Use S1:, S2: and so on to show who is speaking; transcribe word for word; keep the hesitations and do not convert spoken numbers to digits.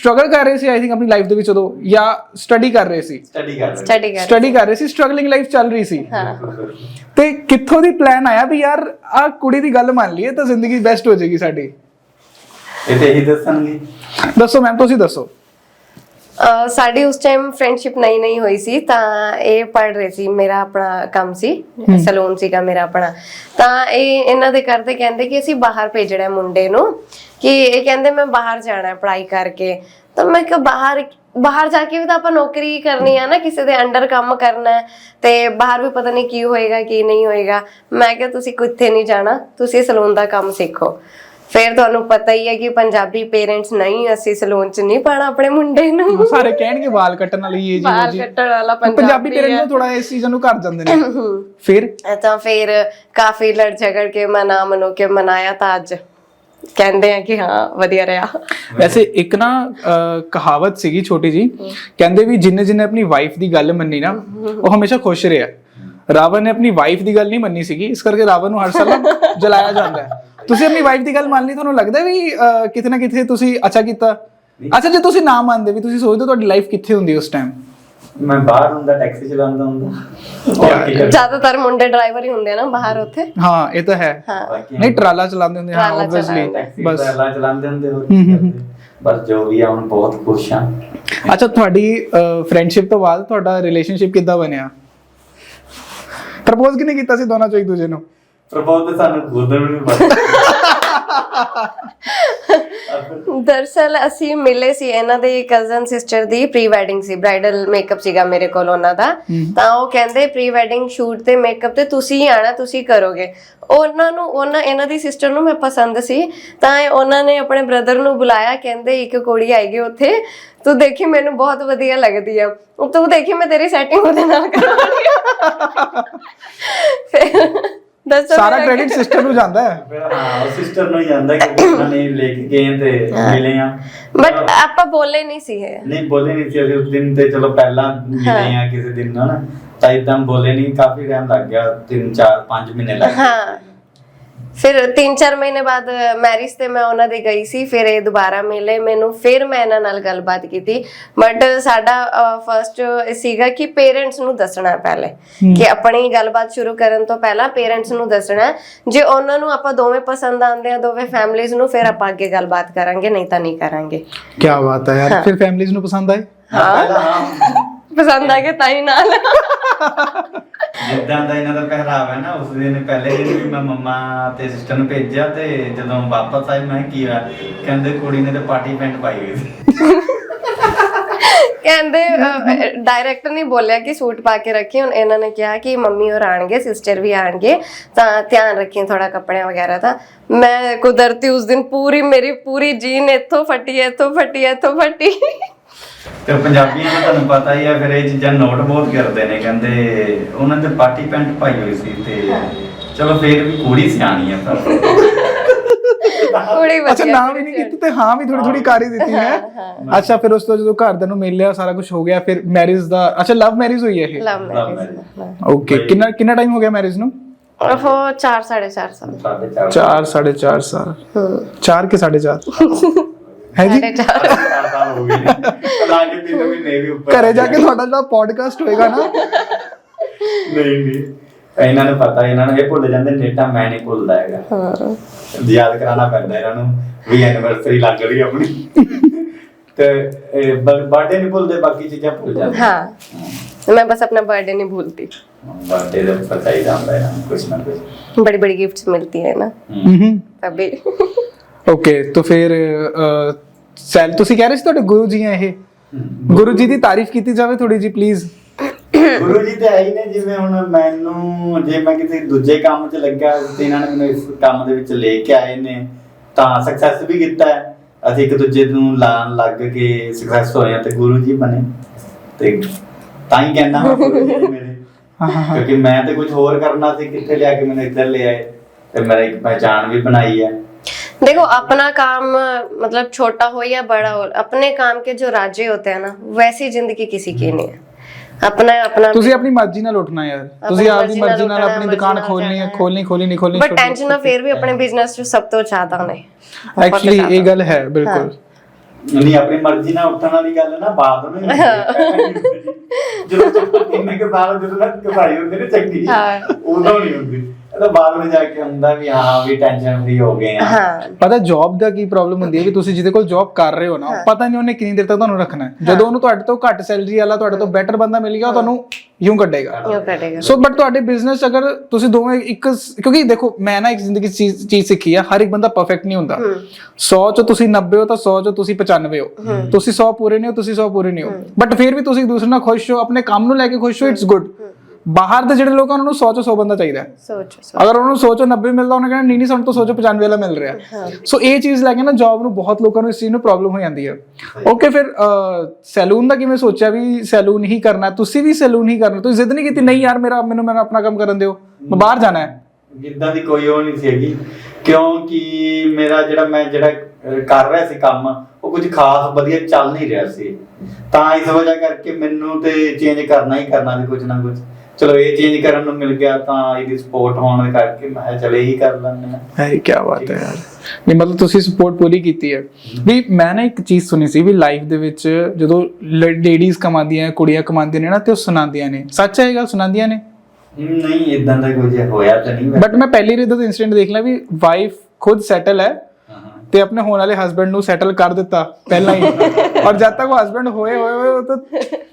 S1: Struggle ਕਰ ਰਹੇ ਸੀ I think ਆਪਣੀ ਲਾਈਫ ਦੇ ਵਿੱਚ ਉਦੋਂ, ਜਾਂ ਸਟੱਡੀ ਕਰ ਰਹੇ ਸੀ?
S2: ਸਟੱਡੀ ਕਰ ਰਹੇ
S3: ਸਟੱਡੀ ਕਰ
S1: ਸਟੱਡੀ ਕਰ ਰਹੇ ਸੀ, ਸਟਰਗਲਿੰਗ ਲਾਈਫ ਚੱਲ ਰਹੀ ਸੀ।
S3: ਹਾਂ।
S1: ਤੇ ਕਿੱਥੋਂ ਦੀ ਪਲਾਨ ਆਇਆ ਵੀ ਯਾਰ ਆ ਕੁੜੀ ਦੀ ਗੱਲ ਮੰਨ ਲਈਏ ਤਾਂ ਜ਼ਿੰਦਗੀ ਬੈਸਟ ਹੋ ਜਾਏਗੀ ਸਾਡੀ?
S2: ਇਹ ਤੇ ਇਹੀ ਦੱਸਣਗੇ।
S1: ਦੱਸੋ ਮੈਮ, ਤੁਸੀਂ ਦੱਸੋ।
S3: ਅਹ ਸਾਡੀ ਉਸ ਟਾਈਮ ਫਰੈਂਡਸ਼ਿਪ ਨਹੀਂ ਨਹੀਂ ਹੋਈ ਸੀ, ਤਾਂ ਇਹ ਪੜ ਰਹੇ ਸੀ, ਮੇਰਾ ਆਪਣਾ ਕੰਮ ਸੀ, ਸਲੂਨ ਸੀਗਾ ਮੇਰਾ ਆਪਣਾ। ਤਾਂ ਇਹ ਇਹਨਾਂ ਦੇ ਕਰਦੇ ਕਹਿੰਦੇ ਕਿ ਅਸੀਂ ਬਾਹਰ ਭੇਜਣਾ ਮੁੰਡੇ ਨੂੰ, ਕਿ ਇਹ ਕਹਿੰਦੇ ਮੈਂ ਬਾਹਰ ਜਾਣਾ ਪੜ੍ਹਾਈ ਕਰਕੇ। ਤਾਂ ਮੈਂ ਕਿਹਾ ਬਾਹਰ ਬਾਹਰ ਜਾ ਕੇ ਵੀ ਤਾਂ ਆਪਾਂ ਨੌਕਰੀ ਕਰਨੀ ਆ ਨਾ, ਕਿਸੇ ਦੇ ਅੰਡਰ ਕੰਮ ਕਰਨਾ, ਤੇ ਬਾਹਰ ਵੀ ਪਤਾ ਨਹੀਂ ਕੀ ਹੋਏਗਾ ਕੀ ਨਹੀਂ ਹੋਏਗਾ। ਮੈਂ ਕਿਹਾ ਤੁਸੀਂ ਕਿੱਥੇ ਨਹੀਂ ਜਾਣਾ, ਤੁਸੀਂ ਸਲੂਨ ਦਾ ਕੰਮ ਸਿੱਖੋ। ਫਿਰ ਤੁਹਾਨੂੰ ਪਤਾ ਹੀ ਹੈ ਕਿ ਪੰਜਾਬੀ ਪੇਰੈਂਟਸ ਨਹੀਂ, ਅਸੀਂ ਸਲੂਨ ਚ ਨਹੀਂ ਪਾਣਾ ਆਪਣੇ ਮੁੰਡੇ ਨੂੰ।
S1: ਸਾਰੇ ਕਹਿਣਗੇ ਵਾਲ ਕੱਟਣ ਵਾਲੀ ਇਹ ਜੀ
S3: ਬਾਲ ਕੱਟਣ ਵਾਲਾ
S1: ਪੰਜਾਬੀ ਪੇਰੈਂਟਸ ਥੋੜਾ ਇਸ ਚੀਜ਼ ਨੂੰ ਕਰ ਜਾਂਦੇ ਨੇ। ਫਿਰ
S3: ਤਾਂ ਫਿਰ ਕਾਫੀ ਲੜ ਝਗੜ ਕੇ ਮਨਾ ਮਨੋ ਕੇ ਮਨਾਇਆ, ਤਾਂ ਅੱਜ ਕਹਿੰਦੇ ਆ ਕਿ ਹਾਂ ਵਧੀਆ ਰਿਹਾ।
S1: ਵੈਸੇ ਇੱਕ ਨਾ ਕਹਾਵਤ ਸੀਗੀ ਛੋਟੀ ਜੀ, ਕਹਿੰਦੇ ਵੀ ਜਿੰਨੇ ਜਿੰਨੇ ਆਪਣੀ ਵਾਈਫ ਦੀ ਗੱਲ ਮੰਨੀ ਨਾ ਉਹ ਹਮੇਸ਼ਾ ਖੁਸ਼ ਰਿਹਾ। ਰਾਵਣ ਨੇ ਆਪਣੀ ਵਾਈਫ ਦੀ ਗੱਲ ਨਹੀਂ ਮੰਨੀ ਸੀਗੀ, ਇਸ ਕਰਕੇ ਰਾਵਣ ਨੂੰ ਹਰ ਸਾਲ ਜਲਾਇਆ ਜਾਂਦਾ ਹੈ। ਤੁਸੀਂ ਆਪਣੀ ਵਾਈਫ ਦੀ ਗੱਲ ਮੰਨ ਲਈ, ਤੁਹਾਨੂੰ ਲੱਗਦਾ ਵੀ ਕਿਤੇ ਨਾ ਕਿਤੇ ਤੁਸੀਂ ਅੱਛਾ ਕੀਤਾ? ਅੱਛਾ ਜੇ ਤੁਸੀਂ ਨਾ ਮੰਨਦੇ ਵੀ ਤੁਸੀਂ ਸੋਚਦੇ ਤੁਹਾਡੀ ਲਾਈਫ ਕਿੱਥੇ ਹੁੰਦੀ ਉਸ ਟਾਈਮ?
S2: ਮੈਂ ਬਾਹਰ ਹੁੰਦਾ, ਟੈਕਸੀ ਚਲਾਉਂਦਾ ਹੁੰਦਾ।
S3: ਜ਼ਿਆਦਾਤਰ ਮੁੰਡੇ ਡਰਾਈਵਰ ਹੀ ਹੁੰਦੇ ਆ ਨਾ ਬਾਹਰ ਉੱਥੇ।
S1: ਹਾਂ ਇਹ ਤਾਂ ਹੈ। ਨਹੀਂ ਟਰਾਲਾ ਚਲਾਉਂਦੇ ਹੁੰਦੇ ਹਾਂ ਆਬਵੀਅਸਲੀ,
S2: ਬਸ ਟਰਾਲਾ ਚਲਾਉਂਦੇ ਹੁੰਦੇ ਹੋਰ। ਬਸ ਜੋ ਵੀ ਆ ਹੁਣ ਬਹੁਤ ਖੁਸ਼ ਆ।
S1: ਅੱਛਾ ਤੁਹਾਡੀ ਫਰੈਂਡਸ਼ਿਪ ਤੋਂ ਬਾਅਦ ਤੁਹਾਡਾ ਰਿਲੇਸ਼ਨਸ਼ਿਪ ਕਿੱਦਾਂ ਬਣਿਆ? ਪ੍ਰਪੋਜ਼ ਕਿਹਨੇ ਕੀਤਾ ਸੀ ਦੋਨਾਂ ਚੋਂ ਇੱਕ ਦੂਜੇ ਨੂੰ?
S2: ਪ੍ਰਪੋਜ਼ ਤਾਂ ਸਾਨੂੰ ਖੁਦ ਨੂੰ ਨਹੀਂ ਪਤਾ।
S3: ਦਰਅਸਲ ਅਸੀਂ ਮਿਲੇ ਸੀ, ਇਹਨਾਂ ਦੇ ਕਜ਼ਨ ਸਿਸਟਰ ਦੀ ਪ੍ਰੀ ਵੈਡਿੰਗ ਸੀ, ਬ੍ਰਾਈਡਲ ਮੇਕਅਪ ਸੀਗਾ ਮੇਰੇ ਕੋਲ ਉਹਨਾਂ ਦਾ। ਤਾਂ ਉਹ ਕਹਿੰਦੇ ਪ੍ਰੀ ਵੈਡਿੰਗ ਸ਼ੂਟ ਤੇ ਮੇਕਅਪ ਤੇ ਤੁਸੀਂ ਹੀ ਆਣਾ, ਤੁਸੀਂ ਕਰੋਗੇ। ਉਹਨਾਂ ਨੂੰ ਉਹਨਾਂ ਇਹਨਾਂ ਦੀ ਸਿਸਟਰ ਨੂੰ ਮੈਂ ਪਸੰਦ ਸੀ, ਤਾਂ ਉਹਨਾਂ ਨੇ ਆਪਣੇ ਬ੍ਰਦਰ ਨੂੰ ਬੁਲਾਇਆ, ਕਹਿੰਦੇ ਇੱਕ ਕੁੜੀ ਆਏਗੀ ਉੱਥੇ, ਤੂੰ ਦੇਖੀ ਮੈਨੂੰ ਬਹੁਤ ਵਧੀਆ ਲੱਗਦੀ ਆ, ਤੂੰ ਦੇਖੀ ਮੈਂ ਤੇਰੀ ਸੈਟਿੰਗ ਉਹਦੇ ਨਾਲ ਕਰਵਾਉਣੀ ਆ। ਦੱਸੋ
S1: ਸਾਰਾ ਕ੍ਰੈਡਿਟ ਸਿਸਟਰ ਨੂੰ ਜਾਂਦਾ ਹੈ।
S2: ਹਾਂ ਉਹ ਸਿਸਟਰ ਨੂੰ ਹੀ ਜਾਂਦਾ ਕਿ ਉਹਨਾਂ ਨੇ ਲੈ ਕੇ ਗਏ ਤੇ ਮਿਲੇ ਆ।
S3: ਬਟ ਆਪਾਂ ਬੋਲੇ ਨਹੀਂ ਸੀ ਹੈ।
S2: ਨਹੀਂ ਬੋਲੇ ਨਹੀਂ ਸੀ ਅਸੀਂ ਉਸ ਦਿਨ, ਤੇ ਚਲੋ ਪਹਿਲਾਂ ਮਿਲੇ ਆ ਕਿਸੇ ਦਿਨ ਨਾ, ਤਾਂ ਇਦਾਂ ਬੋਲੇ ਨਹੀਂ। ਕਾਫੀ ਟਾਈਮ ਲੱਗ ਗਿਆ, ਤਿੰਨ ਚਾਰ ਪੰਜ ਮਹੀਨੇ ਲੱਗ ਗਏ। ਹਾਂ
S3: ਫਿਰ ਤਿੰਨ ਚਾਰ ਮਹੀਨੇ ਬਾਅਦ ਮੈਰਿਜ ਤੇ ਮੈਂ ਉਹਨਾਂ ਦੇ ਗਈ ਸੀ, ਫਿਰ ਇਹ ਦੁਬਾਰਾ ਮਿਲੇ ਮੈਨੂੰ, ਫਿਰ ਮੈਂ ਇਹਨਾਂ ਨਾਲ ਗੱਲਬਾਤ ਕੀਤੀ। ਬਟ ਸਾਡਾ ਫਰਸਟ ਸੀਗਾ ਕਿ ਪੇਰੈਂਟਸ ਨੂੰ ਦੱਸਣਾ ਪਹਿਲੇ, ਕਿ ਆਪਣੀ ਗੱਲਬਾਤ ਸ਼ੁਰੂ ਕਰਨ ਤੋਂ ਪਹਿਲਾਂ ਪੇਰੈਂਟਸ ਨੂੰ ਦੱਸਣਾ। ਜੇ ਉਹਨਾਂ ਨੂੰ ਆਪਾਂ ਦੋਵੇਂ ਪਸੰਦ ਆਉਂਦੇ ਆ, ਦੋਵੇਂ ਫੈਮਲੀਜ਼ ਨੂੰ, ਫਿਰ ਆਪਾਂ ਅੱਗੇ ਗੱਲਬਾਤ ਕਰਾਂਗੇ, ਨਹੀਂ ਤਾਂ ਨਹੀਂ ਕਰਾਂਗੇ।
S1: ਕੀ ਬਾਤ ਹੈ ਯਾਰ। ਫਿਰ ਫੈਮਲੀਜ਼ ਨੂੰ ਪਸੰਦ ਆਏ?
S3: ਹਾਂ ਪਸੰਦ ਆ ਗਏ ਤਾਂ ਹੀ ਨਾਲ।
S2: ਜਿੱਦਾਂ ਦਾ ਇਹਨਾਂ ਦਾ ਪਹਿਰਾਵਾ ਹੈ ਨਾ, ਉਸ ਦਿਨ ਪਹਿਲੇ ਦਿਨ ਵੀ ਮੈਂ ਮੰਮਾ ਤੇ ਸਿਸਟਰ ਨੂੰ ਭੇਜਿਆ, ਤੇ ਜਦੋਂ ਵਾਪਸ ਆਏ ਮੈਂ ਕੀ ਹੋਇਆ, ਕਹਿੰਦੇ ਕੁੜੀ ਨੇ ਤੇ ਪਾਰਟੀ ਪੈਂਟ ਪਾਈ ਹੋਈ ਸੀ।
S3: ਕਹਿੰਦੇ ਡਾਇਰੈਕਟਰ ਨੇ ਬੋਲਿਆ ਕਿ ਸੂਟ ਪਾ ਕੇ ਰੱਖੀ, ਹੁਣ ਇਹਨਾਂ ਨੇ ਕਿਹਾ ਕਿ ਮੰਮੀ ਹੋਰ ਆਣਗੇ, ਸਿਸਟਰ ਵੀ ਆਣਗੇ, ਤਾਂ ਧਿਆਨ ਰੱਖੀ ਥੋੜਾ ਕੱਪੜਿਆਂ ਵਗੈਰਾ ਦਾ। ਮੈਂ ਕੁਦਰਤੀ ਉਸ ਦਿਨ ਪੂਰੀ ਮੇਰੀ ਪੂਰੀ ਜੀਨ ਇੱਥੋਂ ਫਟੀ ਇੱਥੋਂ ਫਟੀ ਇੱਥੋਂ ਫਟੀ।
S2: ਤੇ ਪੰਜਾਬੀਆਂ ਨੂੰ ਤੁਹਾਨੂੰ ਪਤਾ ਹੀ ਆ, ਫਿਰ ਇਹ ਚੀਜ਼ਾਂ ਨੋਟ ਬਹੁਤ ਕਰਦੇ ਨੇ। ਕਹਿੰਦੇ ਉਹਨਾਂ ਨੇ ਪਾਰਟੀ ਪੈਂਟ ਪਾਈ ਹੋਈ ਸੀ, ਤੇ ਚਲੋ ਫੇਰ ਵੀ ਕੁੜੀ ਸਿਆਣੀ ਆ। ਪਰ
S3: ਕੁੜੀ
S1: ਅੱਛਾ ਨਾ ਵੀ ਨਹੀਂ ਕੀਤੀ ਤੇ ਹਾਂ ਵੀ ਥੋੜੀ ਥੋੜੀ ਕਰ ਹੀ ਦਿੱਤੀ ਹੈ। ਅੱਛਾ ਫਿਰ ਉਸ ਤੋਂ ਜਦੋਂ ਘਰਦਿਆਂ ਨੂੰ ਮਿਲ ਲਿਆ, ਸਾਰਾ ਕੁਝ ਹੋ ਗਿਆ, ਫਿਰ ਮੈਰਿਜ ਦਾ। ਅੱਛਾ ਲਵ ਮੈਰਿਜ ਹੋਈ ਹੈ ਇਹ?
S3: Love marriage.
S1: ਓਕੇ ਕਿੰਨਾ ਕਿੰਨਾ ਟਾਈਮ ਹੋ ਗਿਆ ਮੈਰਿਜ ਨੂੰ?
S3: ਉਹ ਚਾਰ ਸਾਢੇ ਚਾਰ ਸਾਲ।
S1: ਚਾਰ ਸਾਢੇ ਚਾਰ ਸਾਲ। ਚਾਰ ਕੇ ਸਾਢੇ ਚਾਰ ਹੈ ਜੀ। ਘਰੇ ਜਾ ਕੇ ਤੁਹਾਡਾ ਜਿਹੜਾ ਪੋਡਕਾਸਟ ਹੋਏਗਾ ਨਾ,
S2: ਨਹੀਂ ਨਹੀਂ ਇਹਨਾਂ ਨੂੰ ਪਤਾ, ਇਹਨਾਂ ਨੂੰ ਇਹ ਭੁੱਲ ਜਾਂਦੇ, ਡੇਟਾ ਮੈਂ ਨਹੀਂ ਭੁੱਲਦਾ ਹੈਗਾ। ਹਾਂ ਯਾਦ ਕਰਾਉਣਾ ਪੈਂਦਾ ਇਹਨਾਂ ਨੂੰ ਵੀ ਐਨੀਵਰਸਰੀ ਲੱਗ ਰਹੀ ਆਪਣੀ, ਤੇ ਬਰਥਡੇ ਨਹੀਂ ਭੁੱਲਦੇ, ਬਾਕੀ ਚੀਜ਼ਾਂ ਭੁੱਲ ਜਾਂਦੇ।
S3: ਹਾਂ मैं बस अपना बर्थडे नहीं भूलती।
S2: बर्थडे तो पता ही जाता है कुछ ना कुछ,
S3: बड़ी बड़ी गिफ्ट्स मिलती है ना तभी।
S1: ओके तो फिर ਸੈਲ ਤੁਸੀਂ ਕਹਿ ਰਹੇ ਸੀ ਤੁਹਾਡੇ ਗੁਰੂ ਜੀ ਆ ਇਹ, ਗੁਰੂ ਜੀ ਦੀ ਤਾਰੀਫ ਕੀਤੀ ਜਾਵੇ ਥੋੜੀ ਜੀ ਪਲੀਜ਼।
S2: ਗੁਰੂ ਜੀ ਤੇ ਆਈ ਨੇ, ਜਿਵੇਂ ਹੁਣ ਮੈਨੂੰ ਜੇ ਮੈਂ ਕਿਸੇ ਦੂਜੇ ਕੰਮ 'ਚ ਲੱਗਾ ਤੇ ਇਹਨਾਂ ਨੇ ਮੈਨੂੰ ਇਸ ਕੰਮ ਦੇ ਵਿੱਚ ਲੈ ਕੇ ਆਏ ਨੇ, ਤਾਂ ਸਕਸੈਸ ਵੀ ਕੀਤਾ ਹੈ। ਅਸੀਂ ਇੱਕ ਦੂਜੇ ਨੂੰ ਲਾਣ ਲੱਗ ਕੇ ਸਕਸੈਸ ਹੋਏ ਆ, ਤੇ ਗੁਰੂ ਜੀ ਬਣੇ, ਤੇ ਤਾਂ ਹੀ ਕਹਿੰਦਾ ਹਾਂ ਗੁਰੂ ਜੀ ਮੇਰੇ। ਕਿਉਂਕਿ ਮੈਂ ਤੇ ਕੁਝ ਹੋਰ ਕਰਨਾ ਸੀ, ਕਿੱਥੇ ਲਿਆ ਕੇ ਮੈਨੂੰ ਇੱਧਰ ਲੈ ਆਏ, ਤੇ ਮੇਰੀ ਇੱਕ ਪਹਿचान भी बनाई है।
S3: देखो अपना काम मतलब छोटा हो या बड़ा हो, अपने काम के जो राज्य होते हैं ना, वैसी जिंदगी किसी की नहीं है। अपना अपना
S1: ਤੁਸੀਂ ਆਪਣੀ ਮਰਜ਼ੀ ਨਾਲ ਉੱਠਣਾ ਯਾਰ, ਤੁਸੀਂ ਆਪਣੀ ਮਰਜ਼ੀ ਨਾਲ ਆਪਣੀ ਦੁਕਾਨ ਖੋਲਣੀ ਹੈ, ਖੋਲਣੀ ਖੋਲਣੀ ਨਹੀਂ ਖੋਲਣੀ,
S3: ਬਟ ਟੈਨਸ਼ਨ ਨਾ ਫੇਰ ਵੀ ਆਪਣੇ ਬਿਜ਼ਨਸ ਚ ਸਭ ਤੋਂ ਜ਼ਿਆਦਾ ਨੇ
S1: ਐਕਚੁਅਲੀ ਇਹ ਗੱਲ ਹੈ ਬਿਲਕੁਲ।
S2: ਨਹੀਂ ਆਪਣੀ ਮਰਜ਼ੀ ਨਾਲ ਉੱਠਣ ਵਾਲੀ ਗੱਲ ਨਾ ਬਾਅਦ ਨੂੰ ਹੀ ਹੁੰਦੀ ਹੈ, ਪਹਿਲਾਂ ਨਹੀਂ ਹੁੰਦੀ ਜੀ। ਜਦੋਂ ਤੱਕ ਇੰਨੇ ਕੁ ਸਾਲ ਜਦੋਂ ਤੱਕ ਕਮਾਈ ਹੁੰਦੀ ਨਾ ਚੰਗੀ
S3: ਹਾਂ।
S2: ਉਦੋਂ ਨਹੀਂ ਹੁੰਦੀ, ਇਹ ਤਾਂ ਬਾਅਦ ਵਿੱਚ ਜਾ ਕੇ ਹੁੰਦਾ ਵੀ ਹਾਂ ਵੀ ਟੈਨਸ਼ਨ ਫ੍ਰੀ ਹੋ ਗਏ ਆ।
S3: ਹਾਂ
S1: ਪਤਾ ਜੌਬ ਦਾ ਕੀ ਪ੍ਰੋਬਲਮ ਹੁੰਦੀ ਹੈ ਕਿ ਤੁਸੀਂ ਜਿਹਦੇ ਕੋਲ ਜੌਬ ਕਰ ਰਹੇ ਹੋ ਨਾ, ਪਤਾ ਨਹੀਂ ਉਹਨੇ ਕਿੰਨੀ ਦੇਰ ਤੱਕ ਤੁਹਾਨੂੰ ਰੱਖਣਾ ਹੈ। ਜਦੋਂ ਉਹਨੂੰ ਤੁਹਾਡੇ ਤੋਂ ਘੱਟ ਸੈਲਰੀ ਵਾਲਾ ਤੁਹਾਡੇ ਤੋਂ ਬੈਟਰ ਬੰਦਾ ਮਿਲ ਗਿਆ, ਉਹ ਤੁਹਾਨੂੰ ਯੂੰ ਕੱਢੇਗਾ।
S3: ਯੋ ਕਰੇਗਾ।
S1: ਸੋ ਬਟ ਤੁਹਾਡੇ ਬਿਜ਼ਨਸ ਅਗਰ ਤੁਸੀਂ ਦੋਵੇਂ ਇੱਕ, ਕਿਉਂਕਿ ਦੇਖੋ ਮੈਂ ਨਾ ਇੱਕ ਜ਼ਿੰਦਗੀ 'ਚ ਚੀਜ਼ ਚੀਜ਼ ਸਿੱਖੀ ਆ, ਹਰ ਇੱਕ ਬੰਦਾ ਪਰਫੈਕਟ ਨਹੀਂ ਹੁੰਦਾ। ਸੌ ਚੋਂ ਤੁਸੀਂ ਨੱਬੇ ਹੋ ਤਾਂ ਸੌ ਚੋਂ ਤੁਸੀਂ ਪਚਾਨਵੇਂ ਹੋ, ਤੁਸੀਂ ਸੌ ਪੂਰੇ ਨਹੀਂ ਹੋ, ਤੁਸੀਂ ਸੌ ਪੂਰੇ ਨਹੀਂ ਹੋ, ਬਟ ਫਿਰ ਵੀ ਤੁਸੀਂ ਇੱਕ ਦੂਸਰੇ ਨਾਲ ਖੁਸ਼ ਹੋ, ਆਪਣੇ ਕੰਮ ਨੂੰ ਲੈ ਕੇ ਖੁਸ਼ ਹੋ, ਇਟਸ ਗੁੱਡ। ਬਾਹਰ ਦੇ ਜਿਹੜੇ ਲੋਕ ਆ ਉਹਨਾਂ ਨੂੰ ਸੌ ਚੋਂ ਸੌ ਬੰਦਾ ਚਾਹੀਦਾ ਹੈ।
S3: ਸੋਚੋ ਸੋਚੋ।
S1: ਅਗਰ ਉਹਨਾਂ ਨੂੰ ਸੌ ਚੋਂ ਨੱਬੇ ਮਿਲਦਾ, ਉਹਨੇ ਕਹਿਣਾ ਨਹੀਂ ਨਹੀਂ ਸਾਨੂੰ ਤਾਂ ਸੌ ਚੋਂ ਪਚਾਨਵੇਂ ਵਾਲਾ ਮਿਲ ਰਿਹਾ। ਸੋ ਇਹ ਚੀਜ਼ ਲੈ ਕੇ ਨਾ ਜੌਬ ਨੂੰ ਬਹੁਤ ਲੋਕਾਂ ਨੂੰ ਇਸ ਚੀਜ਼ ਨੂੰ ਪ੍ਰੋਬਲਮ ਹੋ ਜਾਂਦੀ ਹੈ। ਓਕੇ, ਫਿਰ ਸੈਲੂਨ ਦਾ ਕਿਵੇਂ ਸੋਚਿਆ ਵੀ ਸੈਲੂਨ ਹੀ ਕਰਨਾ? ਤੁਸੀਂ ਵੀ ਸੈਲੂਨ ਹੀ ਕਰਨਾ, ਤੁਸੀਂ ਜ਼ਿੱਦ ਨਹੀਂ ਕੀਤੀ ਨਹੀਂ ਯਾਰ ਮੇਰਾ ਮੈਨੂੰ ਮੇਰਾ ਆਪਣਾ ਕੰਮ ਕਰਨ ਦਿਓ, ਮੈਂ ਬਾਹਰ ਜਾਣਾ ਹੈ?
S2: ਜਿੱਦਾਂ ਦੀ ਕੋਈ ਉਹ ਨਹੀਂ ਸੀਗੀ, ਕਿਉਂਕਿ ਮੇਰਾ ਜਿਹੜਾ ਮੈਂ ਜਿਹੜਾ ਅਹ, ਕਰ ਰਿਹਾ ਸੀ ਕੰਮ, ਉਹ ਕੁਝ ਖਾਸ ਵਧੀਆ ਚੱਲ ਨਹੀਂ ਰਿਹਾ ਸੀ। ਤਾਂ ਇਸ ਵਜ੍ਹਾ ਕਰਕੇ ਮੈਨੂੰ ਤੇ ਚੇਂਜ ਕਰਨਾ ਹੀ ਕਰਨਾ ਸੀ ਕੁਝ ਨਾ ਕੁਝ। ਚਲੋ ਇਹ ਚੇਂਜ ਕਰਨ ਨੂੰ ਮਿਲ ਗਿਆ ਤਾਂ ਇਹਦੀ ਸਪੋਰਟ ਹੋਣ ਦੇ ਕਰਕੇ ਮੈਂ ਕਿਹਾ ਚਲ ਇਹੀ ਕਰ ਲੈਂਦੇ ਹਾਂ।
S1: ਹੈ ਕੀ ਬਾਤ ਹੈ ਯਾਰ। ਨਹੀਂ ਮਤਲਬ ਤੁਸੀਂ ਸਪੋਰਟ ਪੂਰੀ ਕੀਤੀ ਹੈ। ਵੀ ਮੈਂ ਨਾ ਇੱਕ ਚੀਜ਼ ਸੁਣੀ ਸੀ ਵੀ ਲਾਈਫ ਦੇ ਵਿੱਚ ਜਦੋਂ ਲੇਡੀਜ਼ ਕਮਾਉਂਦੀਆਂ, ਕੁੜੀਆਂ ਕਮਾਉਂਦੀਆਂ ਨੇ ਨਾ, ਤੇ ਉਹ ਸੁਣਾਉਂਦੀਆਂ ਨੇ। ਸੱਚ ਹੈ ਇਹ ਗੱਲ, ਸੁਣਾਉਂਦੀਆਂ ਨੇ?
S2: ਨਹੀਂ ਇਦਾਂ ਦਾ ਕੁਝ ਹੋਇਆ ਤਾਂ ਨਹੀਂ।
S1: ਬਟ ਮੈਂ ਪਹਿਲੀ ਵਾਰ ਦਾ ਇਨਸੀਡੈਂਟ ਦੇਖ ਲਿਆ ਵੀ ਵਾਈਫ ਖੁਦ ਸੈਟਲ ਹੈ ਤੇ ਆਪਣੇ ਹੋਣ ਵਾਲੇ ਹਸਬੈਂਡ ਨੂੰ ਸੈਟਲ ਕਰ ਦਿੱਤਾ ਪਹਿਲਾਂ ਹੀ, ਔਰ ਜਦ ਤੱਕ ਉਹ ਹਸਬੈਂਡ ਹੋਏ ਹੋਏ ਹੋਏ ਉਹ ਤਾਂ